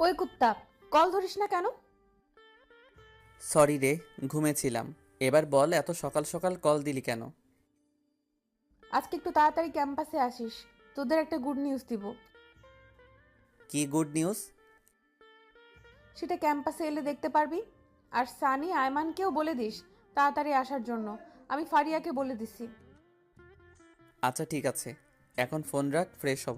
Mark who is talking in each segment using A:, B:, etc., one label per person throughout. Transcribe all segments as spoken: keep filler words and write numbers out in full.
A: ওই কুত্তা, কল ধরিস না কেন?
B: সরি রে, ঘুমেছিলাম। এবার বল, এত সকাল সকাল কল দিলি কেন?
A: আজকে একটু তাড়াতাড়ি ক্যাম্পাসে আসিস, তোদের একটা গুড নিউজ দিব।
B: কি গুড নিউজ?
A: সেটা ক্যাম্পাসে এলে দেখতে পারবি। আর সানি আয়মানকেও বলে দিস তাড়াতাড়ি আসার জন্য। আমি ফারিয়াকে বলে দিছি।
B: আচ্ছা ঠিক আছে, এখন ফোন রাখ, ফ্রেশ হব।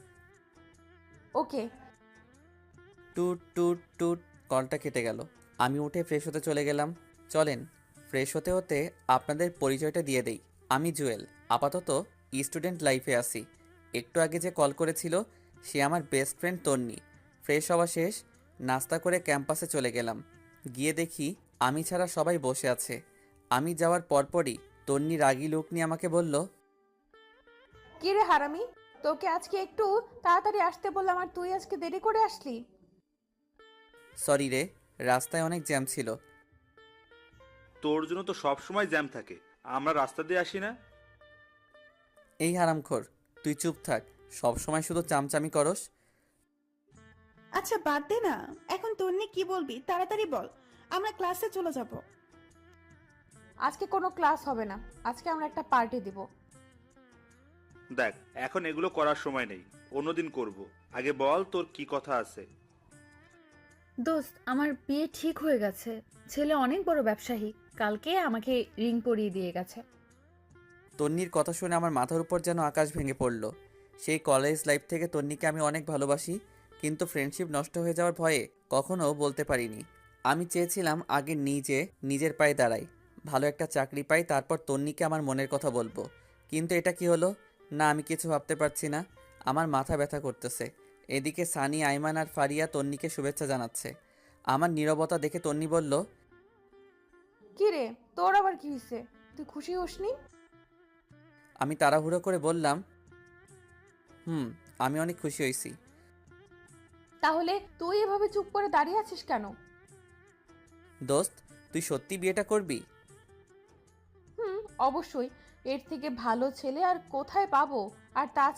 A: ওকে।
B: টুট টুট টুট, কলটা কেটে গেল। আমি উঠে ফ্রেশ হতে চলে গেলাম। চলেন, ফ্রেশ হতে হতে আপনাদের পরিচয়টা দিয়ে দেই। আমি জুয়েল, আপাতত স্টুডেন্ট লাইফে আছি। একটু আগে যে কল করেছিল সে আমার বেস্ট ফ্রেন্ড তন্নি। ফ্রেশ হওয়া শেষ, নাস্তা করে ক্যাম্পাসে চলে গেলাম। গিয়ে দেখি আমি ছাড়া সবাই বসে আছে। আমি যাওয়ার পরপরই তন্নি রাগী লোক নিয়ে আমাকে বলল,
A: কি রে হারামি, তোকে আজকে একটু তাড়াতাড়ি আসতে বললাম আর তুই আজকে দেরি করে আসলি।
B: সরি রে, রাস্তায় অনেক জ্যাম ছিল।
C: তোর জন্য তো সব সময় জ্যাম থাকে, আমরা রাস্তা দিয়ে আসি না।
B: এই হারামখোর, তুই চুপ থাক, সব সময় শুধু চামচামি করস।
D: আচ্ছা বাদ দে না, এখন তোর নিয়ে কি বলবি তাড়াতাড়ি বল, আমরা ক্লাসে চলে যাব।
A: আজকে কোনো ক্লাস হবে না, আজকে আমরা একটা পার্টি দিব।
C: দেখ, এখন এগুলো করার সময় নেই, অন্যদিন করব। আগে বল তোর কি কথা আছে।
E: দোস্ত, আমার বিয়ে ঠিক হয়ে গেছে। ছেলে অনেক বড় ব্যবসায়ী, কালকে আমাকে রিং পরিয়ে দিয়ে গেছে।
B: তন্নির কথা শুনে আমার মাথার উপর যেন আকাশ ভেঙে পড়ল। সেই কলেজ লাইফ থেকে তন্নিকে আমি অনেক ভালোবাসি, কিন্তু ফ্রেন্ডশিপ নষ্ট হয়ে যাওয়ার ভয়ে কখনো বলতে পারিনি। আমি চেয়েছিলাম আগে নিজে নিজের পায়ে দাঁড়াই, ভালো একটা চাকরি পাই, তারপর তন্নিকে আমার মনের কথা বলবো। কিন্তু এটা কি হলো? না, আমি কিছু ভাবতে পারছি না। আমার মাথা ব্যথা করতেছে। এদিকে সানি, আইমান আর ফারিয়া তন্নিকে শুভেচ্ছা জানাচ্ছে। আমার নীরবতা দেখে তন্নি বলল,
A: কি রে, তোর আবার কি হয়েছে? তুই খুশি হসনি?
B: আমি তাড়াহুড়ো করে বললাম, হুম, আমি অনেক খুশি হয়েছি।
A: তাহলে তুই এভাবে চুপ করে দাঁড়িয়ে আছিস কেন?
B: দোস্ত, তুই সত্যি বিয়েটা করবি?
A: হুম, অবশ্যই। এর থেকে ভালো ছেলে আর কোথায় পাবো? আর তাছাড়া